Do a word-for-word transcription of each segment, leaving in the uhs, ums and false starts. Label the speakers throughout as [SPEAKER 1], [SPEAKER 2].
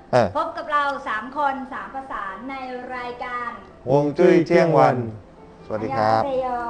[SPEAKER 1] พบกับเราสามคนสามประสานในรายการ
[SPEAKER 2] ฮวงจุ้ยเที่ยงวันสวัสดีครับ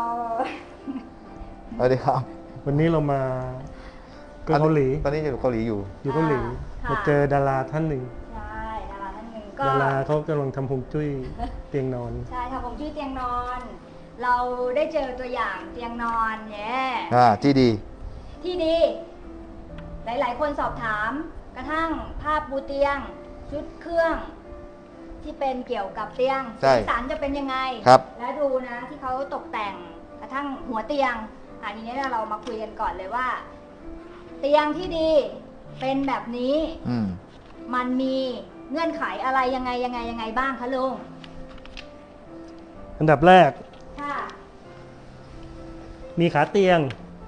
[SPEAKER 2] สวัสดีครับ
[SPEAKER 3] วันนี้เรามาเกาหลี
[SPEAKER 2] ตอนนี้อยู่เกาหลีอยู่
[SPEAKER 3] อยู่เกาหลีมาเจอดาราท่านหนึ่ง
[SPEAKER 1] ใช่ดาราท่านหนึ่งก็
[SPEAKER 3] ดาราเขากำลังทำฮวงจุ้ยเตียงนอน
[SPEAKER 1] ใช่ทำฮวงจุ้ยเตียงนอน เราได้เจอตัวอย่างเตียงนอนเนี่ย
[SPEAKER 2] อ่าที่ดี
[SPEAKER 1] ที่ดี หลายๆคนสอบถามกระทั่งภาพปูเตียงชุดเครื่องที่เป็นเกี่ยวกับเตียงสีสันจะเป็นยังไงและดูนะที่เขาตกแต่งกระทั่งหัวเตียงอันนี้เรามาคุยกันก่อนเลยว่า เตียงที่ดีเป็นแบบนี้มันมีเงื่อนไขอะไรยังไงยังไงยังไงบ้างคะลุง
[SPEAKER 3] อันดับแรกมีขาเตียง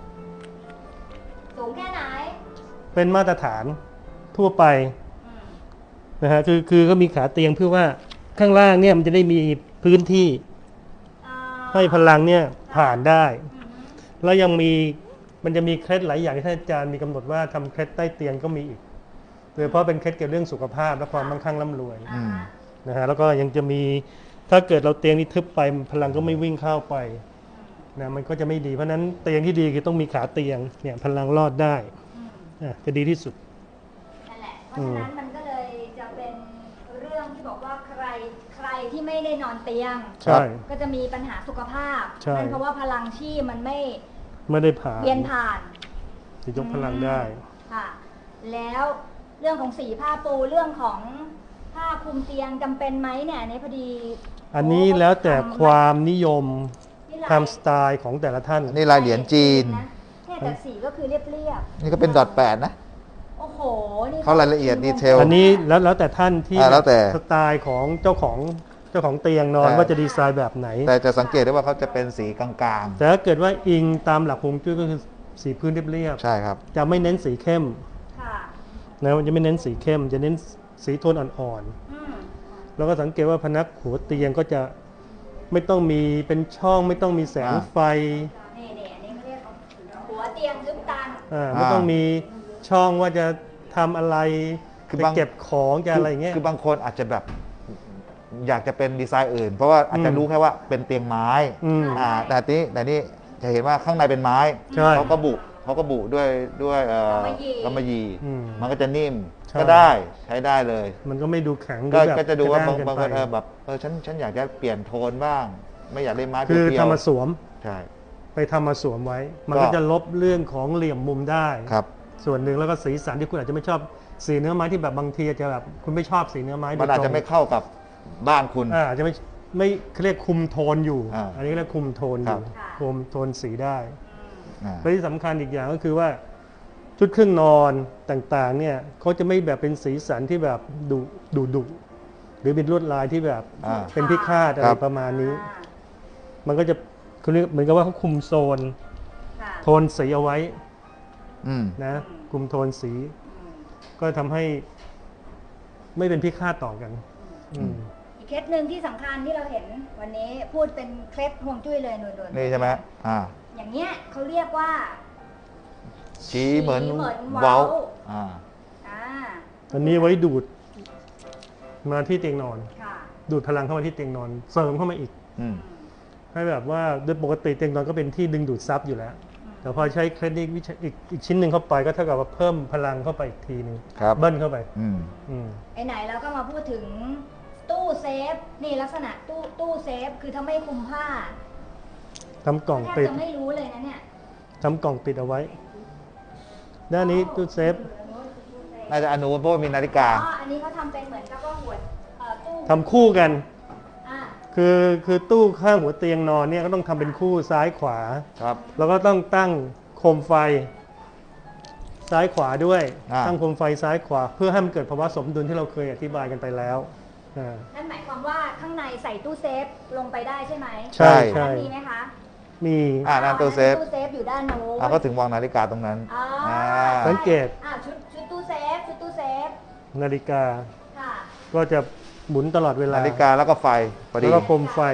[SPEAKER 1] สูงแค่ไหน
[SPEAKER 3] เป็นมาตรฐานทั่วไปนะฮะคือคือก็มีขาเตียงเพื่อว่าข้างล่างเนี่ยมันจะได้มีพื้นที่ให้พลังเนี่ยผ่านได้แล้วยังมีมันจะมีเคล็ดหลายอย่างที่ท่านอาจารย์มีกำหนดว่าทำเคล็ดใต้เตียงก็มีอีกโดยเฉพาะเป็นเคล็ดเกี่ยวกับเรื่องสุขภาพและความมั่งคั่งร่ำรวยนะฮะแล้วก็ยังจะมีถ้าเกิดเราเตียงนี้ทึบไปพลังก็ไม่วิ่งเข้าไปนะมันก็จะไม่ดีเพราะนั้นเตียงที่ดีคือต้องมีขาเตียงเนี่ยพลังรอดได้จะดีที่สุด
[SPEAKER 1] นั่นแหละเพราะฉะนั้นมันก็เลยจะเป็นเรื่องที่บอกว่าใครใครที่ไม่ได้นอนเตียงก็จะมีปัญหาสุขภาพนั่นเพราะว่าพลังชีมันไม่
[SPEAKER 3] ไม่ได้ผ่าน
[SPEAKER 1] เวียนผ่าน
[SPEAKER 3] จะยกพลังได้
[SPEAKER 1] ค่ะแล้วเรื่องของสีผ้าปูเรื่องของผ้าคลุมเตียงจำเป็นไหมเนี่ยในพอดี
[SPEAKER 3] อันนี้แล้วแต่ความนิยมตามสไตล์ของแต่ละท่าน
[SPEAKER 2] นี่ลายเหรียญจีน
[SPEAKER 1] เนี่ยแต่สีก็คือเรียบ
[SPEAKER 2] ๆนี่ก็เป็นดอทแปดนะ
[SPEAKER 1] โอ้โหนี่
[SPEAKER 2] เขารายละเอียดดีเทล
[SPEAKER 3] อันนี้แล้วแล้วแต่ท่านที่แล้วแต่สไตล์ของเจ้าของเจ้าของเตียงนอนว่าจะดีไซน์แบบไหน
[SPEAKER 2] แต่จะสังเกตได้ว่าเขาจะเป็นสีกลาง
[SPEAKER 3] ๆแต่ถ้าเกิดว่าอิงตามหลักฮวงจุ้ยก็คือสีพื้นเรียบ
[SPEAKER 2] ๆใช่ครับ
[SPEAKER 3] จะไม่เน้นสีเข้มนะจะไม่เน้นสีเข้มจะเน้นสีโทนอ่อนๆแล้วก็สังเกตว่าพนักหัวเตียงก็จะไม่ต้องมีเป็นช่องไม่ต้องมีแสงไฟ
[SPEAKER 1] นี่นี่อันนี้เขาเรียกหัวเตียงทึบตัน
[SPEAKER 3] อ่าไม่ต้องมีช่องว่าจะทำอะไรจะเก็บของจะอะไรเงี้ย
[SPEAKER 2] คือบางคนอาจจะแบบอยากจะเป็นดีไซน์อื่นเพราะว่าอาจจะรู้แค่ว่าเป็นเตียงไม้อ่าแต่นี้แต่นี่จะเห็นว่าข้างในเป็นไม้เขาก็บุเขาก็บุด้วยด้วยเอ่อกำมะหยี่มันก็จะนิ่มก็ได้ใช้ได้เลย
[SPEAKER 3] มันก็ไม่ดูแข็ง
[SPEAKER 2] ก็จะดูว่าบางบางคนเออแบบเออฉันฉันอยากจะเปลี่ยนโทนบ้างไม่อยากได้ไม้
[SPEAKER 3] คือทำมาสวม
[SPEAKER 2] ใช่
[SPEAKER 3] ไปทำมาสวมไว้มันก็จะลบเรื่องของเหลี่ยมมุมได้
[SPEAKER 2] ครับ
[SPEAKER 3] ส่วนหนึ่งแล้วก็สีสันที่คุณอาจจะไม่ชอบสีเนื้อไม้ที่แบบบางทีจะแบบคุณไม่ชอบสีเนื้อไม้
[SPEAKER 2] มันอาจจะไม่เข้ากับบ้านคุณ
[SPEAKER 3] อ่าจะไม่ไม่เรียกคุมโทนอยู่อันนี้เรียกคุมโทนอยู่คุมโทนสีได้และที่สำคัญอีกอย่างก็คือว่าชุดเครื่องนอนต่างๆเนี่ยเขาจะไม่แบบเป็นสีสันที่แบบดุดุดุหรือเป็นลวดลายที่แบบเป็นพิฆาตอะไรประมาณนี้มันก็จะคือเหมือนกับว่าเขาคุมโซนโทนสีเอาไว้นะคุมโทนสีก็ทำให้ไม่เป็นพิฆาตต่อกัน
[SPEAKER 1] อีกเคล็ดหนึ่งที่สำคัญที่เราเห็นวันนี้พูดเป็นเคล็ดฮวงจุ้ยเลยนวล
[SPEAKER 2] ๆนี่ใช่ไหมอ่า
[SPEAKER 1] อย่างเงี้ยเขาเรียกว่า
[SPEAKER 2] ชี้เหมือนเว้าอ่า
[SPEAKER 3] อันนี้ไว้ดูดมาที่เตียงนอนดูดพลังเข้ามาที่เตียงนอนเสริมเข้ามาอีกให้แบบว่าโดยปกติเตียงนอนก็เป็นที่ดึงดูดซับอยู่แล้วแต่พอใช้เคล็ดนี้อีกอีกชิ้นหนึ่งเข้าไปก็เท่ากับว่าเพิ่มพลังเข้าไปอีกทีนึงเบิ้ลเข้าไป
[SPEAKER 1] ไอ้ไหนเราก็มาพูดถึงตู้เซฟนี่ลักษณะตู้ตู้เซฟคือถ้าไม่คุมผ้า
[SPEAKER 3] ทำกล่องปิด
[SPEAKER 1] จะไม่รู้เลยนะเนี่ย
[SPEAKER 3] ทำกล่องปิดเอาไว้ด้านนี้ตู้เซฟ
[SPEAKER 2] น่าจะอนุเพราะมีนาฬิกา
[SPEAKER 1] อ๋ออันนี้เขาทำเป็นเหมือนกับว่าหัวตู้
[SPEAKER 3] ทำคู่กันคือคือตู้ข้างหัวเตียงนอนเนี่ยก็ต้องทำเป็นคู่ซ้ายขวา
[SPEAKER 2] ครับ
[SPEAKER 3] แล้วก็ต้องตั้งโคมไฟซ้ายขวาด้วยตั้งโคมไฟซ้ายขวาเพื่อให้มันเกิดภาวะสมดุลที่เราเคยอธิบายกันไปแล้ว
[SPEAKER 1] นั่นหมายความว่าข้างในใส่ตู้เซฟลงไปได้ใช่ไหม
[SPEAKER 3] ใช่ใช่
[SPEAKER 1] มีไหมคะ
[SPEAKER 3] มี
[SPEAKER 2] อ่านั่นตู้เซฟ
[SPEAKER 1] ตู้เซฟอยู่ด้านโน้น
[SPEAKER 2] อ่าก็ถึงวางนาฬิกาตรงนั้น
[SPEAKER 3] สังเกต
[SPEAKER 1] อ่าชุดชุดตู้เซฟชุดตู้เซฟ
[SPEAKER 3] นาฬิกาก็จะหมุนตลอดเวลา
[SPEAKER 2] นาฬิกาแล้วก็ไฟพอดี
[SPEAKER 3] แล้วก็โคมไฟ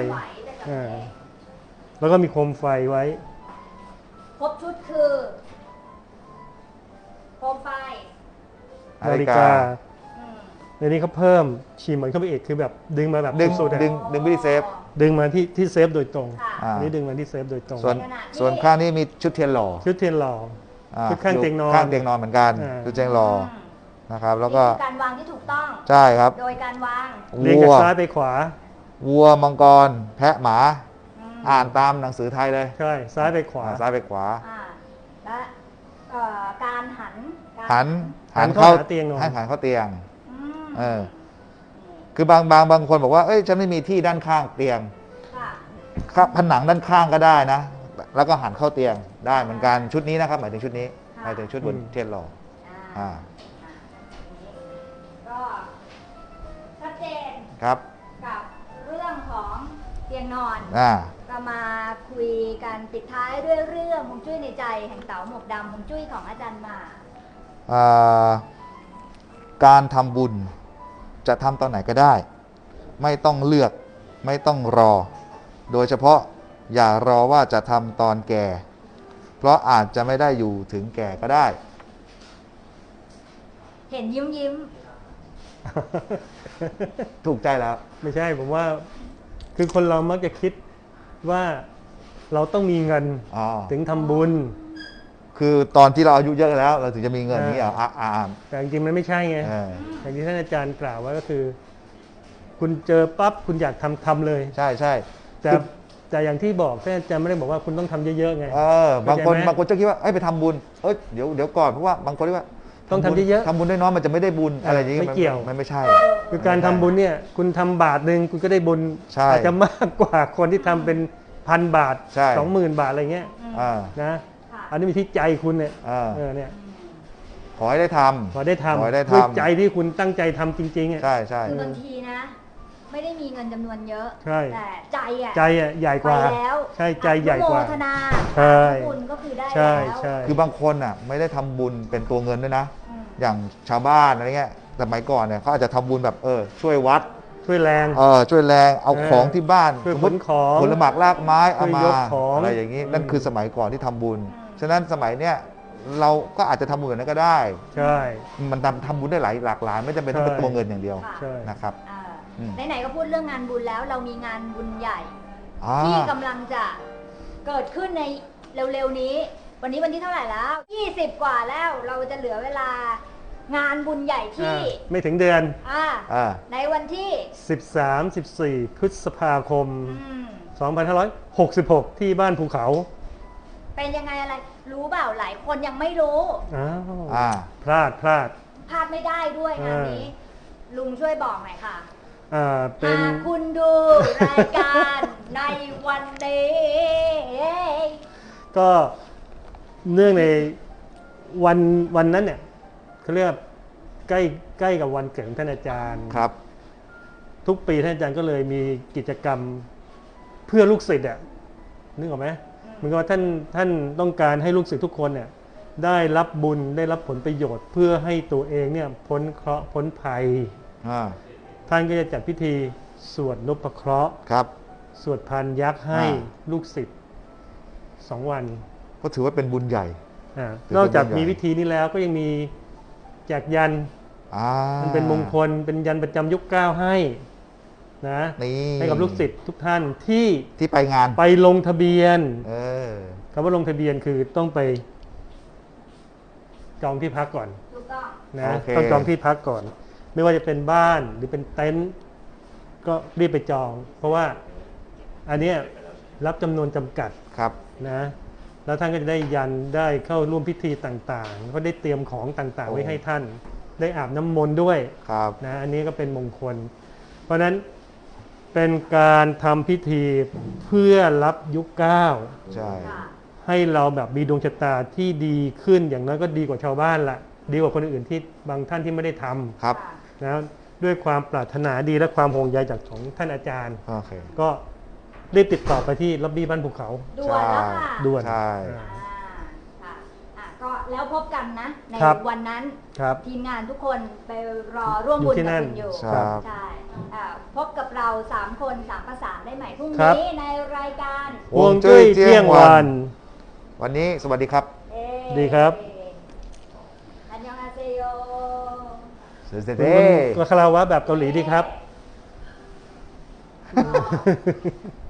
[SPEAKER 3] แล้วก็มีโคมไฟไว้
[SPEAKER 1] ครบชุดคือโคมไฟ
[SPEAKER 3] นาฬิกาในนี้เขาเพิ่มฉีดเหมือนเข้าไปอีกคือแบบดึงมาแบบ
[SPEAKER 2] ดึง
[SPEAKER 3] สุดๆอะ
[SPEAKER 2] ดึงดึงไปที่เซฟ
[SPEAKER 3] ดึงมาที่ที่เซฟโดยตรง
[SPEAKER 1] ค่ะ
[SPEAKER 2] อ่า
[SPEAKER 3] อันนี้ดึงมาที่เซฟโดยตรง
[SPEAKER 2] ส่วน
[SPEAKER 1] ในขณะที่
[SPEAKER 2] ส่วนข้างนี้มีชุดเทียนหล่อ
[SPEAKER 3] ชุดเทียนหล่อ
[SPEAKER 2] อ่า
[SPEAKER 3] ชุดข้างเตียงนอน
[SPEAKER 2] ข้างเตียงนอนเหมือนกัน
[SPEAKER 3] อ่า
[SPEAKER 2] ชุดเตียงหล่อ
[SPEAKER 1] ม
[SPEAKER 2] นะครับ แล้วก็
[SPEAKER 1] นี่คือการวางที่ถูกต้อง
[SPEAKER 2] ใช่ครับ
[SPEAKER 1] โดยการวาง
[SPEAKER 3] เรียง
[SPEAKER 2] วั
[SPEAKER 3] จาก
[SPEAKER 2] ว
[SPEAKER 3] ซ้ายไปขวา
[SPEAKER 2] วัวมังกร แพะหมา
[SPEAKER 1] อืม
[SPEAKER 2] อ่านตามหนังสือไทยเลย
[SPEAKER 3] ใช่ซ้ายไปขวา
[SPEAKER 2] อ่าซ้ายไปขวา
[SPEAKER 1] อ่าและเอ่อการหันการ
[SPEAKER 2] หัน
[SPEAKER 3] หันเข้าหาเตียงนอน
[SPEAKER 2] ให้หันเข้าเตียง
[SPEAKER 1] อืม
[SPEAKER 2] เออ คือบางบางบางคนบอกว่าเอ้ยฉันไม่มีที่ด้านข้างเตียง
[SPEAKER 1] ค่ะ
[SPEAKER 2] ครับผนังด้านข้างก็ได้นะ แล้วก็หันเข้าเตียงได้เหมือนกันชุดนี้นะครับหมายถึงชุดนี้หมายถึงชุดบนเทียนหล่อ
[SPEAKER 1] อ่า
[SPEAKER 2] อ่า
[SPEAKER 1] อ่าก็ชัดเจน
[SPEAKER 2] ครับ
[SPEAKER 1] กับเรื่องของเตียงนอน
[SPEAKER 2] อ่า
[SPEAKER 1] เรามาคุยกันปิดท้ายด้วยเรื่องฮวงจุ้ยในใจแห่งเต๋าหมวกดำฮวงจุ้ยของอาจารย์หมา
[SPEAKER 2] อ่าการทำบุญจะทำตอนไหนก็ได้ ไม่ต้องเลือกไม่ต้องรอ โดยเฉพาะอย่ารอว่าจะทำตอนแก่ เพราะอาจจะไม่ได้อยู่ถึงแก่ก็ได้
[SPEAKER 1] เห็นยิ้มยิ้ม
[SPEAKER 2] ถูกใจแล้ว
[SPEAKER 3] ไม่ใช่ผมว่า คือคนเรามักจะคิดว่าเราต้องมีเงิน
[SPEAKER 2] อ๋อ
[SPEAKER 3] ถึงทำบุญ
[SPEAKER 2] คือตอนที่เราอายุเยอะแล้ว เราถึงจะมีเงินนี้เหรออ่าอ่า
[SPEAKER 3] แต่จริงๆมันไม่ใช่ไง
[SPEAKER 2] เออ
[SPEAKER 3] อย่างที่ท่านอาจารย์กล่าวไว้ก็คือ คุณเจอปั๊บคุณอยากทำทำเลย
[SPEAKER 2] ใช่ใช่
[SPEAKER 3] แต่
[SPEAKER 2] คือ
[SPEAKER 3] แต่อย่างที่บอกท่านอาจารย์ไม่ได้บอกว่าคุณต้องทำเยอะๆไง
[SPEAKER 2] เออบางคน
[SPEAKER 3] เข้าใจไหม
[SPEAKER 2] บางคนจะคิดว่าเอ้ยไปทำบุญเอ้ยเดี๋ยวเดี๋ยวก่อนเพราะว่าบางคนเรียกว่า
[SPEAKER 3] ต้องทำเยอะๆ
[SPEAKER 2] ทำบุญได้น้อยมันจะไม่ได้บุญอะไรอย่างงี้
[SPEAKER 3] ไม่เกี่ยว
[SPEAKER 2] มันไม่ใช่
[SPEAKER 3] คือการทำบุญเนี่ย คุณทำบาทหนึ่งคุณก็ได้บุญ
[SPEAKER 2] ใช่
[SPEAKER 3] อาจจะมากกว่าคนที่ทำเป็นพันบาท
[SPEAKER 2] ใช่
[SPEAKER 3] สองหมื่นบาทอะไรเงี้ย
[SPEAKER 1] อืม
[SPEAKER 2] อ่า
[SPEAKER 3] นะ
[SPEAKER 1] ค่ะ
[SPEAKER 3] อันนี้มีที่ใจคุณเนี่ย
[SPEAKER 2] อ่า
[SPEAKER 3] เออเนี่ย
[SPEAKER 1] อืม
[SPEAKER 2] ขอให้ได้ทำ
[SPEAKER 3] พอได้ทำ
[SPEAKER 2] ขอให้ได้ทำ
[SPEAKER 3] ด้วยใจที่คุณตั้งใจทำจริงๆอ่ะ
[SPEAKER 2] ใช่ใช่
[SPEAKER 1] คือบางทีนะ ไม่ได้มีเงินจำนวนเยอะ
[SPEAKER 3] ใช่
[SPEAKER 1] แต่ใจอ่ะ
[SPEAKER 3] ใจอ่ะใหญ่ก
[SPEAKER 1] ไป
[SPEAKER 3] ว่า
[SPEAKER 1] แล้ว
[SPEAKER 3] ใช่ใจใหญ่กว่า
[SPEAKER 1] อนุโมทนา
[SPEAKER 3] ใช่
[SPEAKER 1] บุญก็คือได้
[SPEAKER 3] ใช่
[SPEAKER 1] แล้ว
[SPEAKER 3] ใช่
[SPEAKER 2] คือบางคนอ่ะไม่ได้ทำบุญเป็นตัวเงินด้วยนะ
[SPEAKER 1] อืม
[SPEAKER 2] อย่างชาวบ้านอะไรเงี้ยสมัยก่อนเนี่ยเขาอาจจะทำบุญแบบเออช่วยวัด
[SPEAKER 3] ช่วยแรง
[SPEAKER 2] เออช่วยแรงเอา
[SPEAKER 3] เออ
[SPEAKER 2] ของที่บ้าน
[SPEAKER 3] ช่วย
[SPEAKER 2] สม
[SPEAKER 3] ข
[SPEAKER 2] ม
[SPEAKER 3] น
[SPEAKER 2] ติ
[SPEAKER 3] ของ
[SPEAKER 2] ผลหมากลากไม้เอามา
[SPEAKER 3] ช่วยยกของ
[SPEAKER 2] อะไรอย่างนี้
[SPEAKER 3] อืม
[SPEAKER 2] นั่นคือสมัยก่อนที่ทำบุญ
[SPEAKER 1] อืม
[SPEAKER 2] ฉะนั้นสมัยเนี้ยเราก็อาจจะทำบุญแบบนั้นก็ได้
[SPEAKER 3] ใช่
[SPEAKER 2] มันทำทำบุญได้หลายหลากหลายไม่จำเป็นต้องเป็น
[SPEAKER 3] ใช่
[SPEAKER 2] ตัวเงินอย่างเดียว
[SPEAKER 1] ค่ะ
[SPEAKER 3] ใช่
[SPEAKER 2] นะครับ
[SPEAKER 1] เอ่ออ
[SPEAKER 2] ม
[SPEAKER 1] ไหนๆก็พูดเรื่องงานบุญแล้ว เรามีงานบุญใหญ่
[SPEAKER 2] อ่า
[SPEAKER 1] ที่กำลังจะเกิดขึ้นในเร็วๆนี้ วันนี้วันที่เท่าไหร่แล้วยี่สิบกว่าแล้วเราจะเหลือเวลางานบุญใหญ่ที่
[SPEAKER 3] อ่าไม่ถึงเดือน
[SPEAKER 1] อ่า
[SPEAKER 2] อ่า
[SPEAKER 1] ในวันที่
[SPEAKER 3] สิบสาม สิบสี่ พฤษภาคม
[SPEAKER 1] อืม
[SPEAKER 3] สองพันห้าร้อยหกสิบหก ที่บ้านภูเขา
[SPEAKER 1] เป็นยังไงอะไร รู้เปล่าหลายคนยังไม่รู้
[SPEAKER 3] อ้าว
[SPEAKER 2] อ่า
[SPEAKER 3] พลาดพลาด
[SPEAKER 1] พลาดไม่ได้ด้วยงานนี้ ลุงช่วยบอกหน่อยค่ะ
[SPEAKER 3] อ่าเป็น
[SPEAKER 1] หากคุณดูรายการในวันนี้
[SPEAKER 3] ก็เนื่องในวันวันนั้นเนี่ยเขาเรียกว่าใกล้ใกล้กับวันเกิดของท่านอาจารย์
[SPEAKER 2] ครับ
[SPEAKER 3] ทุกปีท่านอาจารย์ก็เลยมีกิจกรรมเพื่อลูกศิษย์อ่ะนึกออกไหมเหมือนกับว่าท่านท่านต้องการให้ลูกศิษย์ทุกคนเนี่ยได้รับบุญได้รับผลประโยชน์ เพื่อให้ตัวเองเนี่ยพ้นเคราะห์พ้นภัย
[SPEAKER 2] อ่า
[SPEAKER 3] ท่านก็จะจัดพิธีสวดนพเคราะห์
[SPEAKER 2] ครับ
[SPEAKER 3] สวดพานยักษ์ให้
[SPEAKER 2] อ่า
[SPEAKER 3] ลูกศิษย์สองวัน
[SPEAKER 2] ก็ถือว่าเป็นบุญใหญ่
[SPEAKER 3] อ่า
[SPEAKER 2] ถือเป็น
[SPEAKER 3] นอกจาก
[SPEAKER 2] บุญใหญ่
[SPEAKER 3] มีพิธีนี้แล้วก็ยังมีแจกยัน
[SPEAKER 2] อ่า
[SPEAKER 3] มันเป็นมงคลเป็นยันประจำยุคเก้าให้นะ
[SPEAKER 2] นี่
[SPEAKER 3] ให้กับลูกศิษย์ทุกท่านที่
[SPEAKER 2] ที่ไปงาน
[SPEAKER 3] ไปลงทะเบียน
[SPEAKER 2] เออ
[SPEAKER 3] คำว่าลงทะเบียนคือต้องไปจองที่พักก่อน
[SPEAKER 1] ถูกต้อง
[SPEAKER 3] นะ
[SPEAKER 2] โอเค
[SPEAKER 3] ต้องจองที่พักก่อน ไม่ว่าจะเป็นบ้านหรือเป็นเต็นท์ก็รีบไปจอง เพราะว่าอันเนี้ยรับจำนวนจำกัด
[SPEAKER 2] ครับ
[SPEAKER 3] นะแล้วท่านก็จะได้ยันได้เข้าร่วมพิธีต่างๆ ก็ได้เตรียมของต่างๆ ไว้ให้ท่าน ได้อาบน้ำมนต์ด้วย
[SPEAKER 2] ครับ
[SPEAKER 3] นะอันนี้ก็เป็นมงคล เพราะฉะนั้นเป็นการทำพิธีเพื่อรับยุคเก้า
[SPEAKER 2] ใช่
[SPEAKER 1] ค่ะ
[SPEAKER 3] ให้เราแบบมีดวงชะตาที่ดีขึ้นอย่างน้อยก็ดีกว่าชาวบ้านละดีกว่าคนอื่นที่บางท่านที่ไม่ได้ท
[SPEAKER 2] ครับ
[SPEAKER 1] ค่ะ
[SPEAKER 3] ำนะด้วยความปรารถนาดีและความห่วงใยจากของท่านอาจารย์
[SPEAKER 2] โอเค
[SPEAKER 3] ก็รีบติดต่อไปที่ล็อบบี้บ้านภูเขา
[SPEAKER 1] ด่วนแล้วค่ะ
[SPEAKER 3] ด่วน
[SPEAKER 2] ใช่
[SPEAKER 1] อ่าค่ะอ่ะก็แล้วพบกันนะ ใน
[SPEAKER 3] ครับ
[SPEAKER 1] วันนั้น
[SPEAKER 3] ครับ
[SPEAKER 1] ทีมงานทุกคนไปรอร่วมบุญ
[SPEAKER 3] อยู่ที่
[SPEAKER 1] กับ
[SPEAKER 3] นั่น
[SPEAKER 1] คุณอยู่
[SPEAKER 2] ครับ
[SPEAKER 1] ใช่อ่าพบกับเราสามคนสามประสานได้ใหม่พรุ่ง
[SPEAKER 3] ครับ
[SPEAKER 1] นี้ในรายการ
[SPEAKER 3] ฮวงจุ้ยเที่ยงวัน
[SPEAKER 2] วันนี้สวัสดีครับ
[SPEAKER 1] เอ่
[SPEAKER 3] ดีครับ
[SPEAKER 1] อันยองอาเซโย
[SPEAKER 2] เสร็จ
[SPEAKER 3] คุณ
[SPEAKER 2] เด้
[SPEAKER 3] คุณคาราวะแบบเกาหลีดีครับ